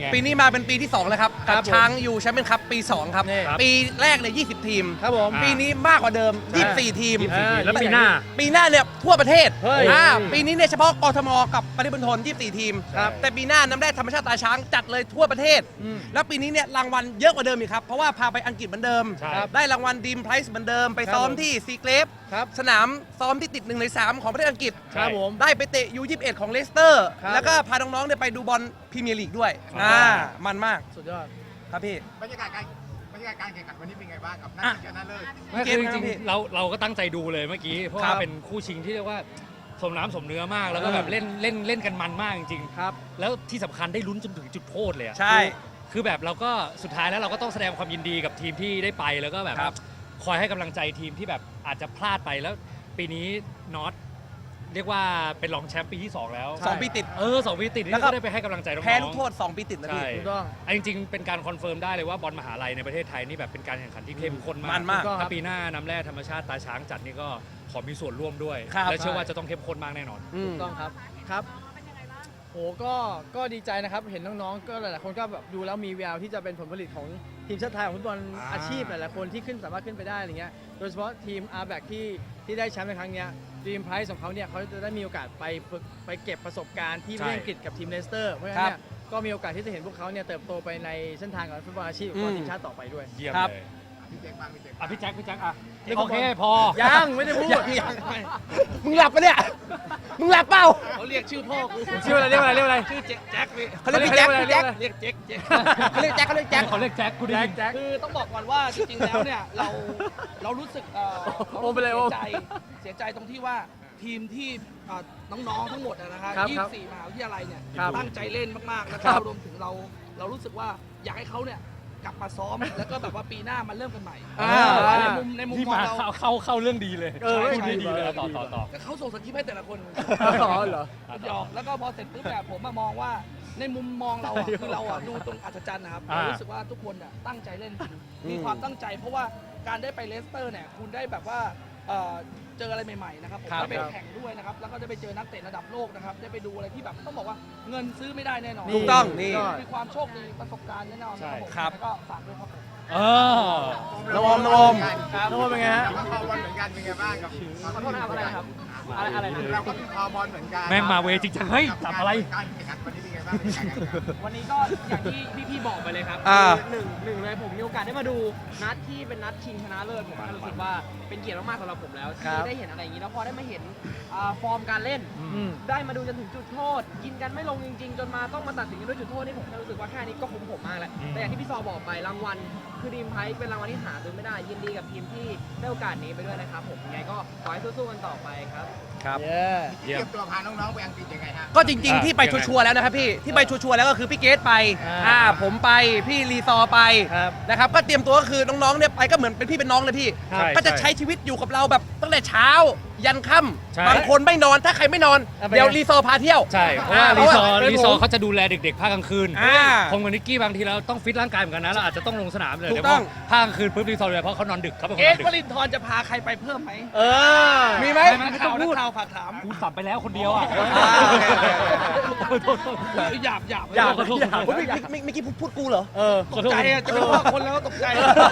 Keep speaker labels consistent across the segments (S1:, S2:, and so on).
S1: ปีนี้มาเป็นปีที่2แล้วครับกับช้างยูแชมเปี้ยนคัพปี2ครับปีแรกเนี่ย20 ทีม
S2: ครับผม
S1: ปีนี้มากกว่าเดิม24 ทีม
S3: แล้วปีหน้า
S1: เนี่ยทั่วประเทศ
S2: เฮ้ย
S1: ปีนี้เนี่ยเฉพาะกทมกับปริมณฑล24 ทีม
S2: ครับ
S1: แต่ปีหน้าน้ำแร่ธรรมชาติตาช้างจัดเลยทั่วประเทศ แล้วปีนี้เนี่ยรางวัลเยอะกว่าเดิมอีกครับเพราะว่าพาไปอังกฤษเหมือนเดิม
S3: ใช่
S1: ได้รางวัลดีมไพรส์เหมือนเดิมไปซ้อมที่ซีเกรฟ
S2: ครับ
S1: สนามซ้อมที่ติด1 ใน 3ของประเทศอังกฤษ
S2: ครับผม
S1: ได้ไปเตะ U21 ของเลสเตอร์
S2: ครับ
S1: แล้วก็พาน้องๆเนี่ยไปดูบอลพรีเมียร์ลีกด้วยมันมาก
S2: สุดยอด
S1: ครับพี่
S4: บรรยากาศการแข่งขันวันนี้เป็นไงบ้างกับนัดชิงชนะเลิศ
S3: ไม่คือจริงๆเราก็ตั้งใจดูเลยเมื่อกี้เพราะ
S1: ครั
S3: ว่า
S1: บ
S3: เป็นคู่ชิงที่เรียกว่าสมน้ำสมเนื้อมากแล้วก็แบบเล่นกันมันมากจริงๆ
S2: ครับ
S3: แล้วที่สำคัญได้ลุ้นจนถึงจุดโทษเลยอะ
S1: ใช่
S3: คือแบบเราก็สุดท้ายแล้วเราก็ต้องแสดงความยินดีกับทีมที่ได้ไปแล้วก็แบบ
S1: ครับ
S3: คอยให้กำลังใจทีมที่แบบอาจจะพลาดไปแล้วปีนี้น็อตเรียกว่าเป็นรองแชมป์ปีที่ 2 แล้ว
S1: 2 ปีติด
S3: 2 ปีติด
S1: แล้
S3: นี่
S1: วก็
S3: ก็ได้ไปให้กำลังใจน้องๆ
S1: แพ้ลูกโทษ 2 ปีติดนะพี่
S3: ใช่
S2: ถูกต้อง
S3: จริงๆ เป็นการคอนเฟิร์มได้เลยว่าบอลมหาลัยในประเทศไทยนี่แบบเป็นการแข่งขันที่เข้มข้นมาก
S1: มันมาก
S3: ถ้าปีหน้าน้ำแร่ธรรมชาติตาช้างจัดนี่ก็ขอมีส่วนร่วมด้วย
S1: ครับ
S3: และเชื่อว่าจะต้องเข้มข้นมากแน่นอน
S1: อื
S2: ถู
S1: ม
S2: กต้องครับครับโหก็ดีใจนะครับเห็นน้องๆก็หลายๆคนก็แบบดูแล้วมีแววที่จะเป็นผลผลิตของทีมชาติไทยของฟุตบอลอาชีพหลายๆคนที่ขึ้นสามารถขึ้นไปได้อะไรเงี้ยโดยเฉพาะทีม R-Back ที่ได้แชมป์ในครั้งเนี้ยดีมไพรส์ของเขาเนี่ยเขาจะได้มีโอกาสไปฝึกไปเก็บประสบการณ์ที่ประเทศอังกฤษกับทีมเลสเตอร์เพราะฉะนั้นเนี่ยก็มีโอกาสที่จะเห็นพวกเขาเนี่ยเติบโตไปในเส้นทางของฟุตบอลอาชีพของทีมชาติต่อไปด้วย
S3: เยี่ยม
S1: ครับ
S3: เลย
S4: พี่เจ๊กบ้างพี่เจ๊ก
S3: อ่ะพี่แจ็คอ่ะ
S2: เรียก
S3: โอเคพอ
S2: ยังไม่ได้พูด
S1: มึงหลับปะเนี่ย มึงหลับเปล่า
S5: เขาเรียกชื่อพ่อกู
S2: ชื่ออะไรเรียกอะไร
S5: ชื่อแจ็คพี่
S1: เขาเรียกพี่แจ็คพี่แจ็ค
S5: เรียกเจ๊ก
S1: เขาเรียกแจ็คเขาเรียกแจ็ค
S3: เขาเรียกแจ็คกูได้ยิน
S2: แจ็ค
S5: คือต้องบอกก่อนว่าจริงๆแล้วเนี่ยเรารู้สึกเรา
S2: โอ้ไปเลยโอ้
S5: เสียใจตรงที่ว่าทีมที่น้องๆทั้งหมดนะคะ
S2: ครับ
S5: 24มหาวิทยาลัยเนี่ย
S2: ครับ
S5: ตั้งใจเล่นมากๆแล้ว
S2: ครั
S5: ก็
S2: บ
S5: รวมถึงเรารู้สึกว่าอยากให้เขาเนี่ยกลับมาซ้อมแล้วก็แบบว่าปีหน้ามันเริ่มกันใหม่ ในมุม
S3: ที่
S5: มอง
S3: มา
S5: เรา
S3: เข้าเรื่องดีเลย
S2: เออ
S3: พูดดีๆเลยต่อ
S5: แต่เขาส่งสคริปต์ให้แต่ละคน
S2: อ๋อเหรอ
S5: หยอกแล้วก็พอเสร็จปุ๊บเนี่ยผมมามองว่าในมุมมองเราอะคือเราอะดูตรงอัศจรรย์นะครับเรารู้สึกว่าทุกคนอะตั้งใจเล่นจริงมีความตั้งใจ เพราะว่าการได้ไปเลสเตอร์เนี่ยคุณได้แบบว่าเจออะไรใหม่ๆนะครับผม
S1: ครับ
S5: ได้ไปแข่งด้วยนะครับแล้วก็ได้ไปเจอนักเตะระดับโลกนะครับได้ไปดูอะไรที่แบบต้องบอกว่าเงินซื้อไม่ได้แน่นอน
S1: ถูกต้องนี่
S5: มีความโชคดีประสบการณ์แน่นอนนะครับผม
S1: ครับ
S5: แล้วก็ฝากด้วยครับผม
S3: เออ
S1: น้องอม
S2: น้องอมเป็นไงฮะ
S4: เราก็คอบอลเหมือนกันเป็นไงบ้างกับ
S5: ขอโทษนะครับอะไรครับอะไรนะ
S4: เราก็คอบอลเหมือนกัน
S3: แม่งมาเวจริงจังเฮ้ยจับอะไร
S4: การแข่งขันวันนี้เป็นไงบ้างการแข่งขัน
S6: วันนี้ก็อย่างที่พี่ๆบอกไปเลยครับ
S1: อ่า
S6: คือหนึ่งเลยผมมีโอกาสได้มาดูนัดที่เป็นนัดชิงชนะเลิศผมก็รู้สึกว่าเป็นเกียรติมากๆสำหรับผมแล้ว
S2: ครั
S6: ที่
S2: บ
S6: ได้เห็นอะไรอย่างนี้แล้วพอได้มาเห็นฟอร์มการเล่น
S2: อืม
S6: ได้มาดูจนถึงจุดโทษ กินกันไม่ลงจริงๆ จนมาต้องมาตัดสินกันด้วยจุดโทษนี่ผมแค่รู้สึกว่าแค่นี้ก็คุ้มผมมากแล้วแต่อย่างที่พี่ซอบอกไปรางวัลคือดีมไพรส์เป็นรางวัลที่หาซื้อไม่ได้ยินดีกับทีมที่ได้โอกาสนี้ไปด้วยนะครับผมยังไงก็ขอให้สู้ๆกันต่อไปครับ
S1: ครับ
S2: เย้
S4: เตรียมตัวพาน้องๆไปอังกฤษยังไงฮะ
S1: ก็จริงๆ ที่ไปชัวร์ๆแล้วนะครับพี่ ที่ไปชัวร์ๆแล้วก็คือพี่เกตไป ผมไป พี่รีซอร์ไป
S2: ครับ
S1: นะครับ ก็เตรียมตัวก็คือน้องๆ เนี่ยไปก็เหมือนเป็นพี่เป็นน้องเลยพี่
S3: ใช่
S1: ก็จะใช้ชีวิตอยู่กับเราแบบตั้งแต่เช้า ยันค่
S3: ใช่
S1: ำบางคนไม่นอน ถ้าใครไม่นอน
S2: เอาไป
S1: เดี๋ยวรีซอร์พาเที่ยว
S3: ใช่เพราะว่า
S1: เพราะว่า
S3: รีซอร์เขาจะดูแลเด็กๆภาคกลางคืน
S1: อ่า
S3: ผมกับนิกกี้บางทีเราต้องฟิตร่างกายเหมือนกันนะเราอาจจะต้องลงสนามเลย
S1: ถูก
S3: เดี๋ยว
S1: ต้อง
S3: ภาคกลางคืนปุ๊บรีซอร์เลยเพราะเขานอนดึกเขาเป็นคน
S5: เอ๊ะ
S3: นอนดึก
S5: วลินทร์จะพาใครไปเพิ่มไหม
S2: เออ
S1: มีไหม
S3: ไม่
S5: นักข่าวนักข่าวฝากถาม
S3: กูสับไปแล้วคนเดียวอ่ะ
S1: โอเค
S5: หยาบ
S2: หยาบ
S1: โอ้ยเมื่อกี้พูดกูเหรอ
S2: เออ
S5: ตกใจอะจะไม่ว่าคนแล้วตกใจ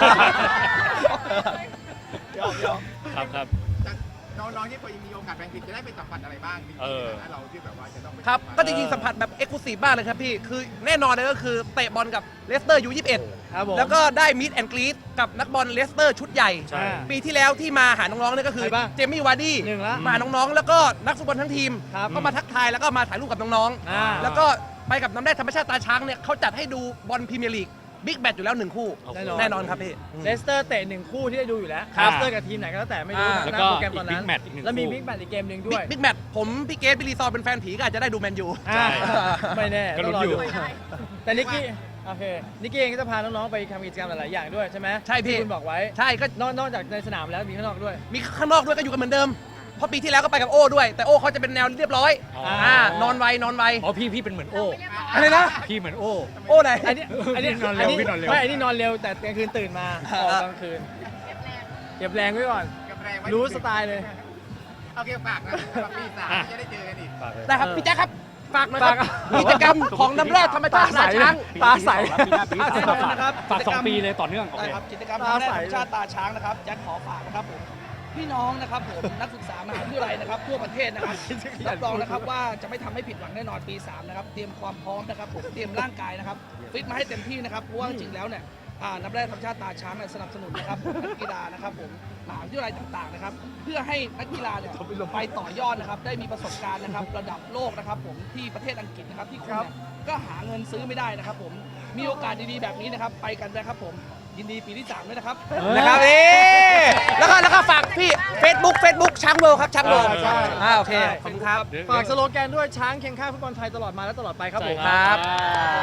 S5: หยอก
S3: ครับ
S4: น้องๆที่ไปมีโอกาสไปอังกฤษจะได้ไปสัมผัสอะไรบ้างจริง
S3: เออ
S4: ๆนะเราที่แบบว่าจะต้องไป
S1: ครับ ก็จริงๆ สัมผัสแบบเอ็กซ์คลูซีฟมากเลยครับพี่ คือแน่นอนเลยก็คือเตะบอลกับเลสเตอร์U21
S2: ครับผม
S1: แล้วก็ได้มิดแอนกรีดกับนักบอลเลสเตอร์ชุดใหญ่
S3: ใช่
S1: ปีที่แล้วที่มาหาน้องๆเนี่ยก็คือ
S2: ใครบ้าง
S1: เจมี่วาร์ดี้
S2: หนึ่งละ
S1: มาหาน้องๆ แล้วก็นักฟุตบอลทั้งทีม
S2: ครับ
S1: ก็มาทักทายแล้วก็มาถ่ายรูปกับน้อง
S2: อ่า
S1: ๆ แล้วก็ไปกับน้ำแร่ธรรมชาติตาช้างเนี่ยเขาจัดให้ดูบอลพรีเมียร์ลีกบิ๊กแมตช์อยู่แล้ว1 คู่
S3: โอ้โห
S1: แน่นอนครับพี่
S2: เลสเตอร์เตะ1 คู่ที่ได้ดูอยู่แล้ว
S3: ครับ
S2: เลสเตอร์กับทีมไหนก็แล้วแต่ไม่รู้
S1: อ่า
S2: นะ
S3: แล้ว
S2: ห
S3: ก็
S2: น้าโปรแกรมตอนนั้น
S3: อีก Big Match อีกหนึ่ง
S2: แล้วมี
S3: คู่
S2: บิ๊กแมตช์อีกเกมหนึ่งด้วย
S1: บิ๊กแมตช์ผมพี่เกตพี่รีซอร์เป็นแฟนผีก็อาจจะได้ดูแมนยู
S2: อ่าไม่แน่
S3: ก็ลุ้
S2: ต้อง
S3: น
S2: รอ
S3: อยู่
S2: ดูแต่นิกกี้โอเคนิกกี้เองก็จะพาน้องๆไปทำกิจกรรมหลายๆอย่างด้วยใช่ไหม
S1: ใช่พี่
S2: ที่คุณบอกไว้
S1: ใช่ก็
S2: นอกจากในสนามแล้วมีข้างนอกด้วย
S1: มีข้างนอกด้วยก็อยู่กันเหมือนเดิม เพราะปีที่แล้วก็ไปกับโอ้ด้วย แต่โอ้เขาจะเป็นแนวเรียบร้อย
S3: อ๋อ
S1: นอนไวน
S3: อ๋อพี่เป็นเหมือนโอ้
S1: อะไรนะ
S3: พี่เหมือนโอ้
S1: โอ้ไหน
S2: อันนี้
S3: นอนเร็วพี่นอนเร็ว
S2: ไม่อันนี้นอนเร็วแต่กลางคืนตื่นมาออกกลางคืนเก็บแรงไว้ก่อน
S4: เก็บแรงไว้
S2: รู้สไตล์เลย
S4: โอเคฝากนะฝากปีสามจะได้เจอกันอีก
S1: ได้ครับ พี่แจ๊คครับฝากหนะครับกิจกรรมของน้ำแร่ธรรมชาติตาช้าง
S2: ตาใส
S5: นะครับ
S3: ฝาก2 ปีเลยต่อเนื่องโอ
S5: ได้
S3: เค
S5: ครับกิจกรรมน้ำแร่ธรรมชาติตาช้างนะครับแจ็คขอฝากนะครับผมพี่น้องนะครับผมนักศึกษามหาวิทยาลัยนะครับทั่วประเทศนะครับรับรองนะครับว่าจะไม่ทำให้ผิดหวังแน่นอนปี3นะครับเตรียมความพร้อมนะครับผมเตรียมร่างกายนะครับฟิตมาให้เต็มที่นะครับเพราะว่าจริงๆแล้วเนี่ยน้ำแร่ธรรมชาติตาช้างเนี่ยสนับสนุนนะครับผมนักกีฬานะครับผมมหาวิทยาลัยต่างๆนะครับเพื่อให้นักกีฬาเนี่ยไปต่อยอดนะครับได้มีประสบการณ์นะครับระดับโลกนะครับผมที่ประเทศอังกฤษนะครับที่คุณเนี่ยก็หาเงินซื้อไม่ได้นะครับผมมีโอกาสดีๆแบบนี้นะครับไปกันนะครับผมยินดีปีที่3ด้วยนะครับ
S1: นะครับแล้วก็ฝากพี่ Facebook ช้างเวิลด์ครับช้างเวิลด์
S2: ใช่
S1: โอเคขอบคุณครับ
S2: ฝากสโลแกนด้วยช้างเคียงข้างฟุตบอลไทยตลอดมาและตลอดไปครับผม
S1: ครับ